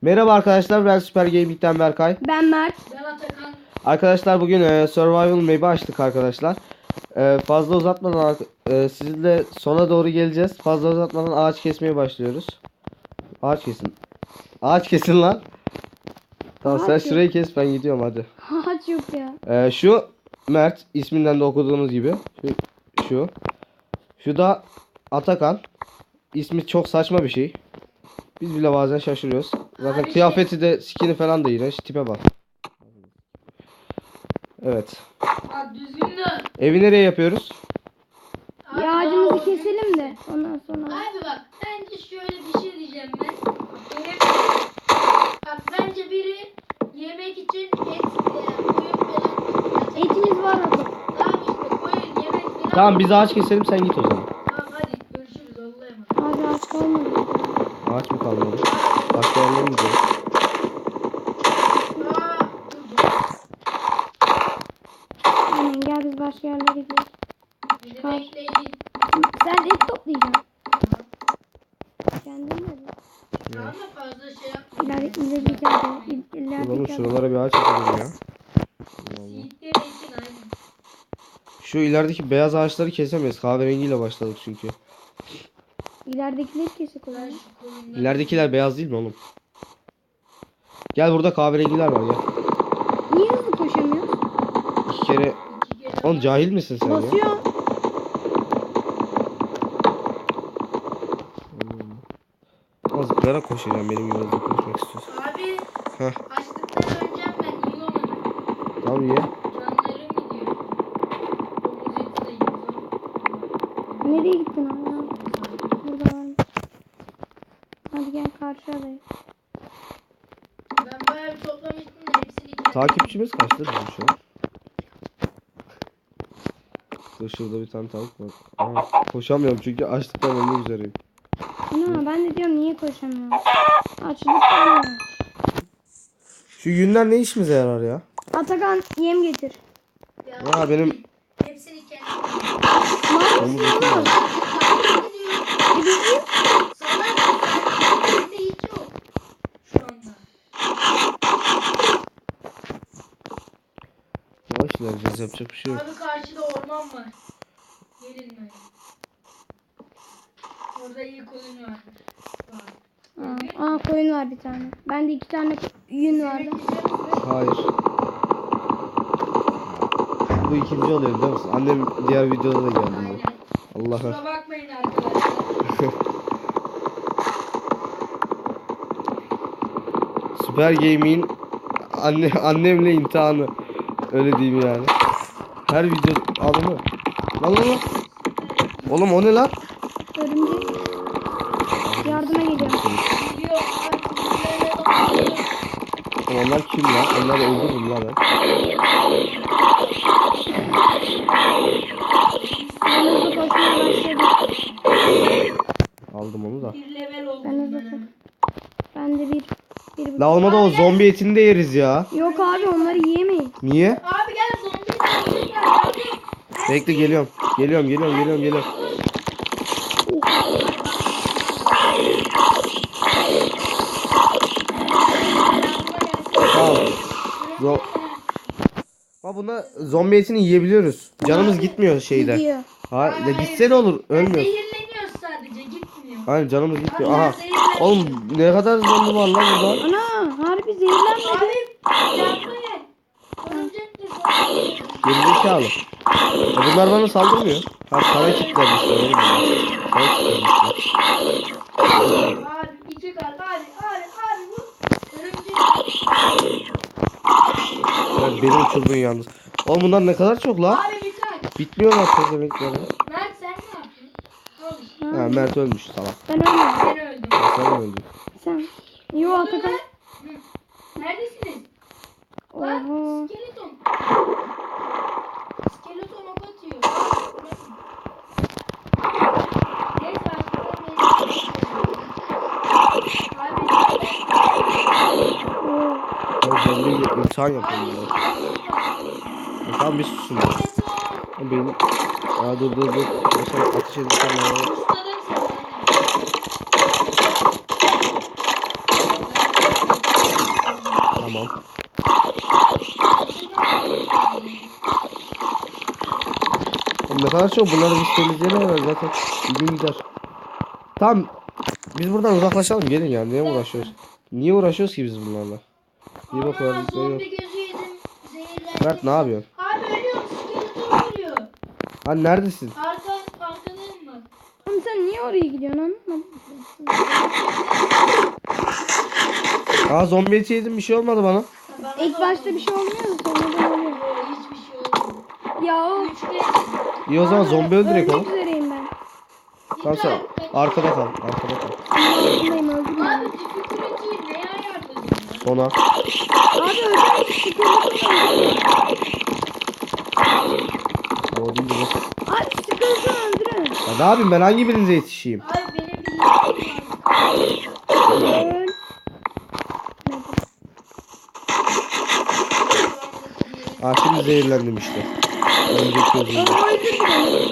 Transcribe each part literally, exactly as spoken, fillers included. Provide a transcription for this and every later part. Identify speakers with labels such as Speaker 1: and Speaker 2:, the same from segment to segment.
Speaker 1: Merhaba arkadaşlar, ben Süper Gaming'den Berkay.
Speaker 2: Ben Mert.
Speaker 3: Ben Atakan.
Speaker 1: Arkadaşlar bugün e, Survival Map'i açtık arkadaşlar. E, fazla uzatmadan e, sizinle sona doğru geleceğiz. Fazla uzatmadan ağaç kesmeye başlıyoruz. Ağaç kesin. Ağaç kesin lan. Tamam,
Speaker 2: Ağaç
Speaker 1: sen
Speaker 2: yok.
Speaker 1: şurayı kes, ben gidiyorum hadi.
Speaker 2: Ağaç yok ya.
Speaker 1: E, şu Mert, isminden de okuduğunuz gibi. Şu. Şu, şu da Atakan. İsmi çok saçma bir şey. Biz bile bazen şaşırıyoruz. Zaten
Speaker 3: Abi
Speaker 1: kıyafeti de skini falan da iğrenç. Tipe bak. Evet.
Speaker 3: Bak düzgün de.
Speaker 1: Evi nereye yapıyoruz?
Speaker 3: Abi,
Speaker 2: Ya ağacımızı
Speaker 3: daha-
Speaker 2: keselim de ondan sonra.
Speaker 3: Abi bak bence şöyle bir şey diyeceğim ben. Benim, bak bence biri yemek için et, e, koyun falan.
Speaker 2: Etimiz var orada.
Speaker 3: Tamam işte koyun yemek falan.
Speaker 1: Tamam, biz ağaç keselim, sen git o zaman.
Speaker 3: Tamam hadi görüşürüz Allah'a emanet.
Speaker 2: Abi ağaç kalmadı.
Speaker 1: Ağaç mı kalmadı? Başka yerlere mi gidiyoruz?
Speaker 3: Aa, dur, dur.
Speaker 2: Aynen, gel biz başka yerlere gidelim.
Speaker 3: Bizi
Speaker 2: Kal.
Speaker 3: bekleyin.
Speaker 2: Sen et toplayacaksın. Kendin de.
Speaker 3: Ama fazla şey yapma.
Speaker 2: İler, ilerideki yerde.
Speaker 1: Oğlum
Speaker 2: İlerideki yerde.
Speaker 1: şuralara bir ağaç yapalım ya.
Speaker 3: Yiğitler için aynı.
Speaker 1: Şu ilerideki beyaz ağaçları kesemeyiz. Kahverengiyle başladık çünkü.
Speaker 2: İleridekileri kesik
Speaker 3: Ben
Speaker 2: olan.
Speaker 3: şu koyunları-
Speaker 1: İleridekiler beyaz değil mi oğlum? Gel, burada kahverengiler var gel.
Speaker 2: Niye hızlı koşamıyoruz?
Speaker 1: İki kere...
Speaker 3: İki kere
Speaker 1: Oğlum cahil misin sen ya?
Speaker 2: Basıyor.
Speaker 1: Az zıplayarak koşacağım, benim gibi hızlı koşmak istiyorsun.
Speaker 3: Abi
Speaker 1: Heh,
Speaker 3: açlıktan öleceğim ben yiyorum onu.
Speaker 1: tamam ye.
Speaker 3: Canlarım gidiyor. Domuz eti de yiyorum.
Speaker 2: Nereye gittin abi? Burada var. Hadi gel karşı adaya.
Speaker 3: Ben bayağı bir toplamıştım da hepsini kendim.
Speaker 1: Takipçimiz kaçtı bizim şu an? Dur, şurada bir tane tavuk var. Aha, koşamıyorum çünkü açlıktan ölmek üzereyim.
Speaker 2: Ana ben de diyorum niye koşamıyorum? Açlıktan mı?
Speaker 1: Şu yünler ne işimize yarar ya?
Speaker 2: Atakan yem getir.
Speaker 3: Ya,
Speaker 1: Ya benim
Speaker 3: hepsini kendim.
Speaker 1: domuz eti var.
Speaker 2: E bizim
Speaker 3: Salak mısın? Bende hiç yok. Şu anda.
Speaker 1: Yavaş ilerleyeceğiz, yapacak bir şey yok.
Speaker 3: Abi karşıda orman var. Gelin ben. Orada iyi koyun var. Var.
Speaker 2: Aa, aa koyun var bir tane. Bende iki tane yün vardı.
Speaker 3: Yemek yiyecek misin?
Speaker 1: Hayır. Bu ikinci oluyor biliyor musun? Annem diğer videoda da geldi.
Speaker 3: Aynen.
Speaker 1: bu. Allah'a.
Speaker 3: Kusura bakmayın arkadaşlar.
Speaker 1: Süper Gaming'in anne annemle imtihanı. Öyle diyeyim yani. Her video alımı. Lan lan lan. Oğlum o ne lan?
Speaker 2: Örümcek. Yardıma geliyor.
Speaker 3: Gidiyor. Bak, gidiyor.
Speaker 1: Oğlum onlar kim lan? Onları öldürürüm lan ben.
Speaker 2: Ben hızlı koşmaya başladım.
Speaker 1: Aldım onu da.
Speaker 3: Bir level oldum
Speaker 2: Ben hızlı
Speaker 3: ben.
Speaker 2: koş. Ben de bir. bir
Speaker 1: La olmadı, o zombi etini de yeriz ya.
Speaker 2: Yok abi onları yiyemeyiz.
Speaker 1: Niye?
Speaker 3: Abi gel zombi zombi gel. Abi.
Speaker 1: Bekle, geliyorum. Geliyorum geliyorum geliyorum geliyorum. Tamam. Zo Ama buna zombi etini yiyebiliyoruz. Canımız gitmiyor şeyde.
Speaker 2: Gidiyor.
Speaker 1: Ha, ya gitse ne olur? Ölmüyor.
Speaker 3: Zehirleniyoruz sadece gitmiyor.
Speaker 1: Hayır, canımız gitmiyor.
Speaker 3: Abi
Speaker 1: Aha.
Speaker 3: ben zehirlendim.
Speaker 1: Oğlum ne kadar zombi var lan burada.
Speaker 2: Ana harbi zehirlenmedi.
Speaker 3: Abi yardım et. Örümcek de zombi.
Speaker 1: Gerizekalı. Ya bunlar bana saldırmıyor. Ha, sana kilitlenmişler oğlum bunlar. Sana kilitlenmişler.
Speaker 3: Abi iki kalp abi abi abi bu. Örümcek.
Speaker 1: Ya beni uçurdun yalnız. Oğlum bunlar ne kadar çok lan.
Speaker 3: Abi bir kalp.
Speaker 1: Bitmiyorlar pezevenkler.
Speaker 3: Mert sen ne yaptın? Al işte.
Speaker 1: Ha, Mert ölmüş salak.
Speaker 2: Ben ölmedim.
Speaker 3: Ben öldüm.
Speaker 1: Sen öldün.
Speaker 2: Sen. Yo Atakan.
Speaker 3: Hı. Neredesiniz? Bak
Speaker 2: Oho.
Speaker 3: skeleton. Skeleton ok atıyor. Neyse aşağıdan beni.
Speaker 2: Oo.
Speaker 1: Ben zombiyle imtihan yapıyorum burada. Ya tamam, bir susun ya. Ya benim... Ya dur dur dur. Mesela ateş edeceğim ya. Tamam. Oğlum ne kadar çok bunları biz temizleyelim var zaten. Bir gün gider. Tamam. Biz buradan uzaklaşalım gelin ya. Niye uğraşıyoruz? Niye uğraşıyoruz ki biz bunlarla? İyi
Speaker 3: Ana
Speaker 1: bakalım.
Speaker 3: zombi gözü yedim. Zehirlendim.
Speaker 1: Mert ne yapıyorsun?
Speaker 3: Abi ölüyorum. Skeleton ölüyor.
Speaker 1: Hani neredesin?
Speaker 3: Arka, arkadayım mı?
Speaker 2: Oğlum sen niye oraya gidiyorsun anlamadım.
Speaker 1: Aa zombi eti yedim bir şey olmadı bana.
Speaker 3: Bana
Speaker 2: İlk
Speaker 3: da
Speaker 2: başta
Speaker 3: oldu.
Speaker 2: bir şey olmuyor da sonradan oluyor.
Speaker 3: Yo, hiçbir şey olmadı.
Speaker 2: Ya o.
Speaker 3: Üçte
Speaker 1: İyi o zaman zombi öldürek
Speaker 2: Ölmek
Speaker 1: oğlum.
Speaker 2: üzereyim ben.
Speaker 1: Tamam sen arkada kal. Arkada kal.
Speaker 2: Altındayım öldüm.
Speaker 3: Abi difficulty'yi neye ayarladın?
Speaker 1: Sona.
Speaker 2: Abi öldüm. Sıkıldım.
Speaker 1: O değil de.
Speaker 2: Abi sıkıldım öldürün.
Speaker 1: Ya ne yapayım ben hangi birinize yetişeyim?
Speaker 3: Abi benim bir yerim var.
Speaker 2: Öl.
Speaker 1: Aa şimdi zehirlendim işte. Önceki gözümde.
Speaker 2: Öldürdü beni.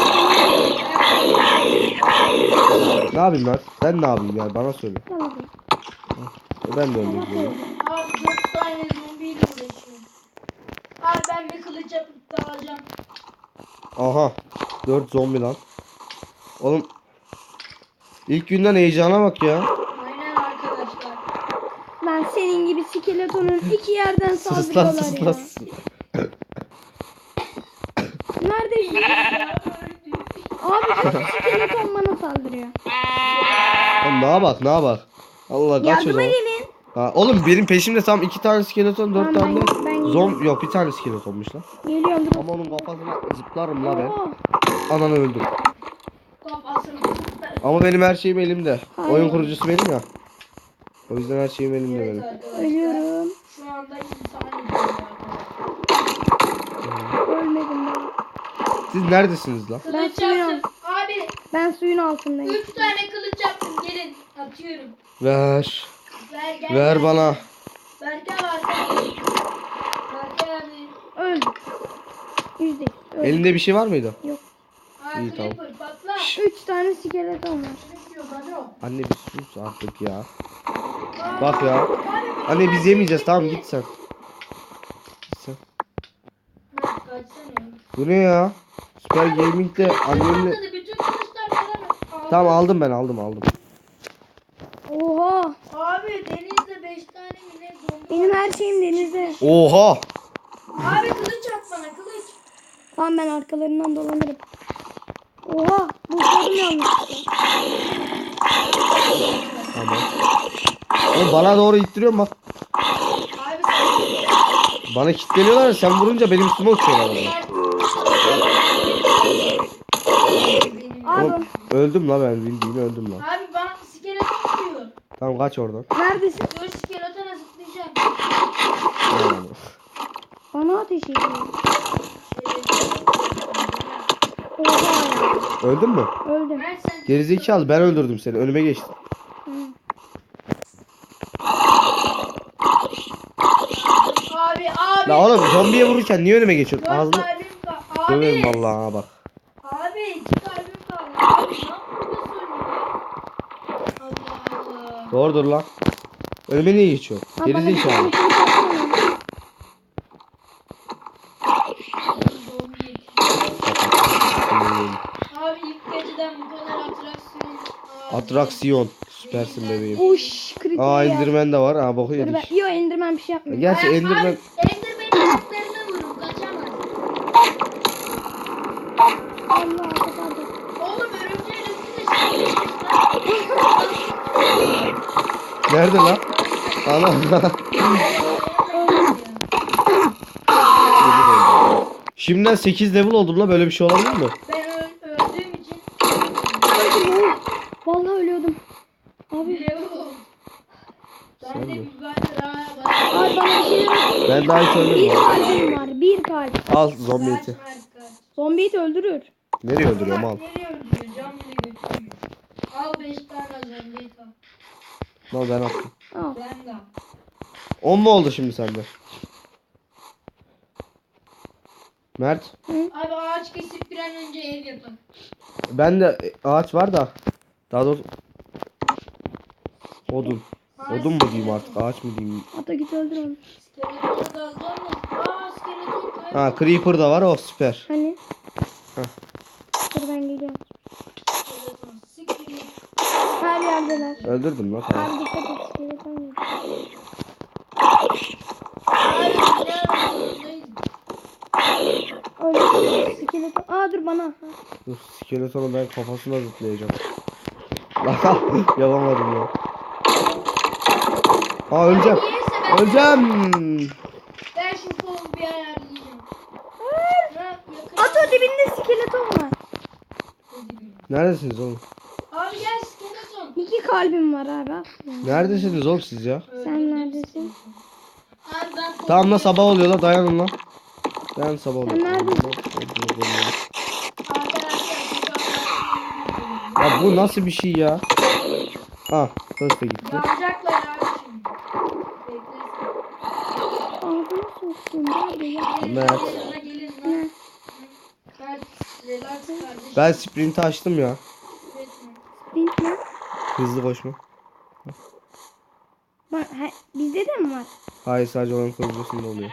Speaker 1: Ne yapayım ben? Ben ne yapayım ya bana söyle.
Speaker 2: Tamam.
Speaker 1: E, Ben de öldüm. diyorum.
Speaker 3: Abi dört tane zombiyle uğraşıyorum. Abi ben bir kılıç yapıp dağılacağım.
Speaker 1: Aha. Dört zombi lan. Oğlum. İlk günden heyecana bak ya.
Speaker 3: Aynen arkadaşlar.
Speaker 2: Lan senin gibi skeletonun iki yerden
Speaker 1: Sus lan
Speaker 2: saldırıyorlar
Speaker 1: sus
Speaker 2: ya.
Speaker 1: lan. sus.
Speaker 2: Neredesin? Abi kötü skeleton bana saldırıyor.
Speaker 1: Oğlum ne bak ne bak. Allah kaç o
Speaker 2: Yardıma
Speaker 1: zaman.
Speaker 2: gelin.
Speaker 1: Ha, oğlum benim peşimde tam iki tane skeleton dört
Speaker 2: Tamam,
Speaker 1: tane
Speaker 2: ben- ben
Speaker 1: zom yok bir tane skeletonmuş lan.
Speaker 2: Geliyorum dur.
Speaker 1: Ama onun kafasına zıplarım la ben.
Speaker 2: Oo.
Speaker 1: Ananı öldüm.
Speaker 3: Kafasını
Speaker 1: Ama benim her şeyim elimde.
Speaker 2: Hayır.
Speaker 1: Oyun kurucusu benim ya. O yüzden her şeyim elimde
Speaker 3: Evet
Speaker 1: benim.
Speaker 3: arkadaşlar.
Speaker 2: Ölüyorum.
Speaker 3: Şu anda insan ediyorum arkadaşlar.
Speaker 2: Ölmedim ben.
Speaker 1: Siz neredesiniz lan?
Speaker 2: Ben
Speaker 3: Kılıç
Speaker 2: suyun
Speaker 3: yaptım. Abi
Speaker 2: Ben suyun altındayım.
Speaker 3: üç tane kılıç yaptım. Gelin atıyorum.
Speaker 1: Ver.
Speaker 3: Ver gel.
Speaker 1: Ver
Speaker 3: gel.
Speaker 1: bana.
Speaker 3: Berke var. Berke abi.
Speaker 2: Öldüm. Yüzde. Öldüm.
Speaker 1: Elinde bir şey var mıydı?
Speaker 2: Yok.
Speaker 3: Aa,
Speaker 1: İyi, tamam.
Speaker 3: creeper patla.
Speaker 2: Üç tane skeleton var.
Speaker 3: Yok, hadi o.
Speaker 1: Anne bir sus artık ya. Bak ya. Anne biz yemeyeceğiz tamam git sen. Git sen.
Speaker 3: Mert, kaçsana.
Speaker 1: Bu ne ya? Süper Gaming'de annemle...
Speaker 3: Patladı, bütün kılıçlar bana aldı.
Speaker 1: Tamam aldım ben aldım aldım.
Speaker 2: Oha.
Speaker 3: Abi denizde beş tane mi ne zombi
Speaker 2: Benim
Speaker 3: var.
Speaker 2: her şeyim denizde.
Speaker 1: Oha!
Speaker 3: Abi kılıç at bana kılıç.
Speaker 2: Tamam ben arkalarından dolanırım. Oha. Bu sorun yanlışlıkla.
Speaker 1: Tamam. Oğlum bana doğru ittiriyorsun bak.
Speaker 3: Abi sen
Speaker 1: Bana kilitleniyorlar ya, sen vurunca benim üstüme uçuyorlar. Bana.
Speaker 3: benim.
Speaker 2: Abi
Speaker 1: Oğlum, öldüm la ben bildiğin öldüm la.
Speaker 3: Abi bana skeleton diyor.
Speaker 1: Tamam kaç oradan.
Speaker 2: neredesin?
Speaker 3: Dur skeletona zıplayacağım.
Speaker 1: Tamam.
Speaker 2: Bana ateş ediyor.
Speaker 3: Şey,
Speaker 2: Oha.
Speaker 1: Öldün mü?
Speaker 2: Öldüm.
Speaker 3: Mert sen
Speaker 1: Gerizekalı ben öldürdüm seni önüme geçtin.
Speaker 2: Hı.
Speaker 3: Abi abi.
Speaker 1: La oğlum zombiye vururken niye önüme geçiyorsun?
Speaker 3: Dört
Speaker 1: Ağzını
Speaker 3: kalbim kaldı. Abi.
Speaker 1: döverim vallahi ha bak.
Speaker 3: Abi iki kalbim kaldı. Abi ne yapıyorsun ya? Allah Allah.
Speaker 1: Doğrudur lan. Önüme niye geçiyorsun?
Speaker 2: Abi bana bir
Speaker 1: Gerizekalı.
Speaker 2: tane kılıç atsana.
Speaker 3: Zombi. Abi ilk geceden bu kadar atraksiyon. Aa,
Speaker 1: Atraksiyon. Süpersin bebeğim.
Speaker 2: Uş kritik
Speaker 1: Aa
Speaker 2: ya.
Speaker 1: Enderman de var. Ha boku
Speaker 2: Dur ben.
Speaker 1: yedik.
Speaker 2: Yo Enderman bir şey yapmıyor.
Speaker 1: Gerçi
Speaker 3: Abi,
Speaker 1: Enderman...
Speaker 3: Abi, Enderman'in ayaklarına vurun kaçamaz.
Speaker 2: Allah kapadı.
Speaker 3: Oğlum örümceğin üstüne şey yapmışlar.
Speaker 1: Nerede lan? Ana. Şimdiden sekiz level oldum la böyle bir şey olabilir mi?
Speaker 3: Ben ö- öldüğüm için
Speaker 2: Öldüm. Vallahi ölüyordum. Abi.
Speaker 3: level oldum.
Speaker 1: Sen
Speaker 3: Ben de
Speaker 1: mi?
Speaker 3: bir ben daha bana
Speaker 2: Abi bana bir şeyler at.
Speaker 1: Ben daha hiç
Speaker 2: Bir
Speaker 1: ölmedim.
Speaker 2: kalbim var. Bir kalp.
Speaker 1: Al zombi
Speaker 3: kaç
Speaker 1: eti.
Speaker 3: Mert kaç.
Speaker 2: Zombiyi de öldürür.
Speaker 1: Nereye öldürüyorum al.
Speaker 3: Nereye öldürüyor? Cam bile götürüyor. Al beş tane zombi et al.
Speaker 1: Al ben attım.
Speaker 2: Al.
Speaker 3: Ben de al.
Speaker 1: on mu oldu şimdi sende? Mert.
Speaker 3: Abi ağaç kesip bir an önce ev yapın.
Speaker 1: Ben de ağaç var da. Daha doğrusu. Odun. Odun mu diyeyim artık, ağaç mı diyeyim?
Speaker 2: Ata git öldür onu.
Speaker 3: Skeletonu da alacağım da. Aa skeleton kayboldu.
Speaker 1: Ha, creeper da var, o süper.
Speaker 2: Hani?
Speaker 1: Heh.
Speaker 2: Dur ben geliyorum.
Speaker 3: Skeleton. Siktir.
Speaker 2: Her yerdeler.
Speaker 1: Öldürdüm lan, tamam.
Speaker 2: Abi dikkat et. Skeleton yok.
Speaker 3: Hayır ne yapıyorsun?
Speaker 2: Öyle skeleton. Aa dur bana. Ha.
Speaker 1: Dur, skeletonu ben kafasına zıplayacağım. Lan yapamadım ya. Aa, öleceğim. Öleceğim.
Speaker 3: Ben şu kolu bir ayarlayacağım. Ne yapıyor?
Speaker 2: Ata dibinde skeleton var.
Speaker 1: Neredesiniz oğlum?
Speaker 3: Abi gel skeleton.
Speaker 2: İki kalbim var abi. aferin.
Speaker 1: Neredesiniz oğlum siz ya?
Speaker 2: Sen neredesin?
Speaker 3: Abi ben kolu-
Speaker 1: Tamam lan, sabah oluyor lan, dayanın lan. Dayan, sabah oluyor.
Speaker 2: Sen neredesin?
Speaker 3: Arkadaşlar
Speaker 1: Ya bu nasıl bir şey ya? Ah, hırs da gitti.
Speaker 3: yanacaklar abi şimdi. Beklesin.
Speaker 2: Ağzını soktum abi ya.
Speaker 3: Gelin
Speaker 1: Mert.
Speaker 3: gelin lan, gelin lan.
Speaker 2: Ne?
Speaker 3: Mert, relax kardeşim.
Speaker 1: Ben sprint açtım ya.
Speaker 3: Üretme.
Speaker 2: Sprint mi?
Speaker 1: Hızlı koşma.
Speaker 2: Bak, he, bizde de mi var?
Speaker 1: Hayır, sadece onun kılıcısında oluyor.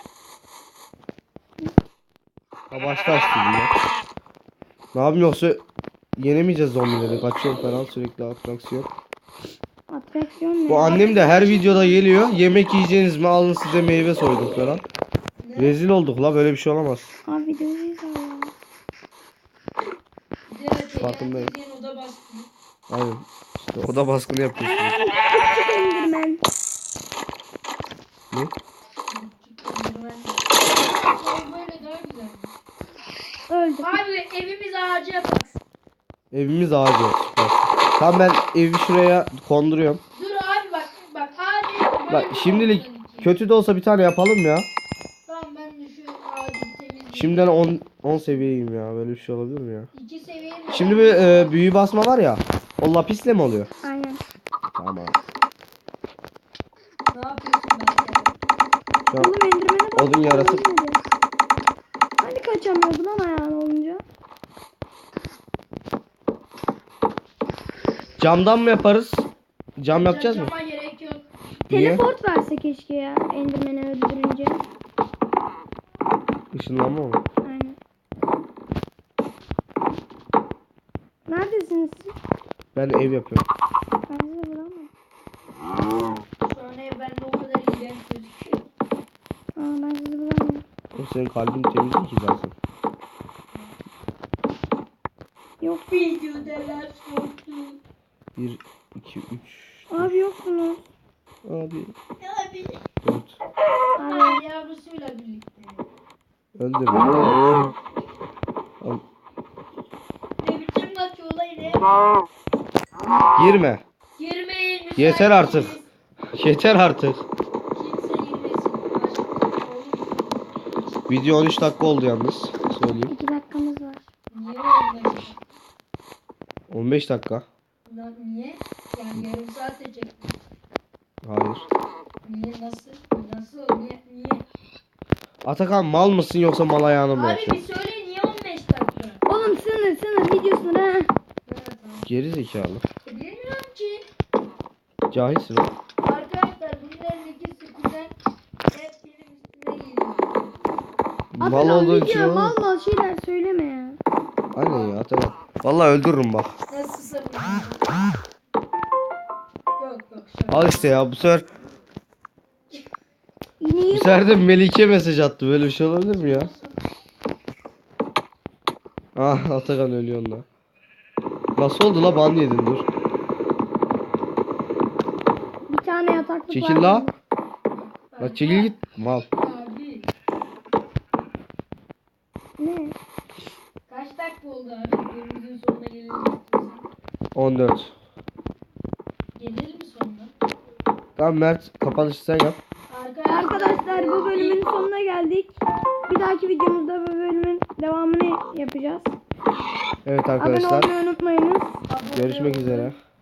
Speaker 1: Ha, başta açtım ya. Ne yapayım, yoksa yenemeyeceğiz zombileri. Kaçıyorum falan, sürekli atraksiyon.
Speaker 2: Atraksiyon ne?
Speaker 1: Bu annem de her videoda geliyor. Yemek yiyeceğiniz mi? Alın size meyve soyduk falan. Rezil olduk la, böyle bir şey olamaz.
Speaker 2: Abi videoyu ya.
Speaker 3: Evet,
Speaker 1: Farkındayım.
Speaker 3: eğer dediğin oda bastı.
Speaker 1: Aynen. İşte oda baskını yapıyorsunuz.
Speaker 2: Küçük indirmen.
Speaker 1: Ne?
Speaker 3: Sonra böyle daha güzel.
Speaker 2: Öldü.
Speaker 3: Abi evimiz ağaca bak.
Speaker 1: Evimiz ağacı. Süper. Tamam, ben evi şuraya konduruyorum.
Speaker 3: Dur abi bak bak abi.
Speaker 1: Bak şimdilik kötü de olsa bir tane yapalım ya.
Speaker 3: Tamam ben de şu ağacı temizleyeyim.
Speaker 1: Şimdiden on on seviyeyim ya. Böyle bir şey olabilir mi ya?
Speaker 3: İki seviye mi?
Speaker 1: Şimdi bir e, büyü basma var ya. O lapisle mi oluyor?
Speaker 2: Aynen.
Speaker 1: Tamam.
Speaker 3: Ne yapıyorsun ben?
Speaker 1: Şu an
Speaker 2: Oğlum endirmene bak.
Speaker 1: odun yaratıp
Speaker 2: Hani kaçamıyordu lan ayağın olunca?
Speaker 1: camdan mı yaparız? Cam yapacağız mı?
Speaker 3: Cama gerek yok.
Speaker 1: Niye?
Speaker 2: Teleport verse keşke ya. Endirmeni öldürünce.
Speaker 1: Işınlanma mı?
Speaker 2: Aynen. Neredesiniz siz?
Speaker 1: Ben ev yapıyorum.
Speaker 2: Ben sizi bulamam.
Speaker 3: Şu an ev bende o kadar iğrenç gözüküyor.
Speaker 2: Aa ben sizi bulamam.
Speaker 1: Oğlum senin kalbin temiz değil ki zaten.
Speaker 2: Yok.
Speaker 3: Videodalar soktu.
Speaker 1: bir, iki, üç.
Speaker 2: Abi yoksunuz.
Speaker 1: Abi.
Speaker 3: Abi.
Speaker 1: dört.
Speaker 3: Ay yavrusuyla birlikte.
Speaker 1: Öldür. Al.
Speaker 3: Ne biçim kaçıyor lan yine?
Speaker 1: Girme.
Speaker 3: Girmeyin. müsait
Speaker 1: Yeter artık.
Speaker 3: değiliz.
Speaker 1: Yeter artık.
Speaker 3: Kimse girmesin. Başka olur.
Speaker 1: Video on üç dakika oldu yalnız. Söyleyeyim.
Speaker 2: İki dakikamız var.
Speaker 3: Niye olmasın?
Speaker 1: on beş dakika.
Speaker 3: Lan niye? Yani yarım saat çektim.
Speaker 1: Hayır.
Speaker 3: Niye nasıl? Nasıl? Niye? Niye?
Speaker 1: Atakan mal mısın yoksa mal ayağını mı
Speaker 3: Abi
Speaker 1: yapıyorsun?
Speaker 3: bir söyle niye on beş dakika?
Speaker 2: Oğlum sınır sınır video sınır ha.
Speaker 3: Evet tamam.
Speaker 1: Geri zekalı.
Speaker 3: E, bilmiyorum ki.
Speaker 1: Cahilsin oğlum.
Speaker 3: Arkadaşlar bunların ikisinden hep benim üstüme geliyor.
Speaker 1: Mal
Speaker 2: Atakan
Speaker 1: olduğu için
Speaker 2: video
Speaker 1: oğlum.
Speaker 2: mal mal şeyler söyleme ya.
Speaker 1: Aynen ya Atakan. Vallahi öldürürüm bak.
Speaker 3: Nasıl sarılıyor? Yok yok şaka.
Speaker 1: Al işte ya, bu sefer
Speaker 2: Yine
Speaker 1: bu
Speaker 2: iyi
Speaker 1: sefer de Melike mesaj attı. Böyle bir şey olabilir mi ya? Ah, Atakan ölüyor da. Nasıl oldu la, ban yedin, dur.
Speaker 2: bir tane yataklık
Speaker 1: Çekil
Speaker 2: var.
Speaker 1: la. La çekil git. Mal.
Speaker 3: Abi
Speaker 2: Ne?
Speaker 3: kaç dakika oldu abi? Bölümümüzün sonuna gelelim istiyorsan.
Speaker 1: on dört.
Speaker 3: Gelelim mi sonuna?
Speaker 1: Tamam Mert, kapanışı sen yap.
Speaker 2: Arkadaşlar bu bölümün sonuna geldik. Bir dahaki videomuzda bu bölümün devamını yapacağız.
Speaker 1: Evet
Speaker 2: Abone
Speaker 1: arkadaşlar.
Speaker 2: olmayı unutmayınız.
Speaker 3: Abone
Speaker 1: Görüşmek
Speaker 3: olun.
Speaker 1: üzere.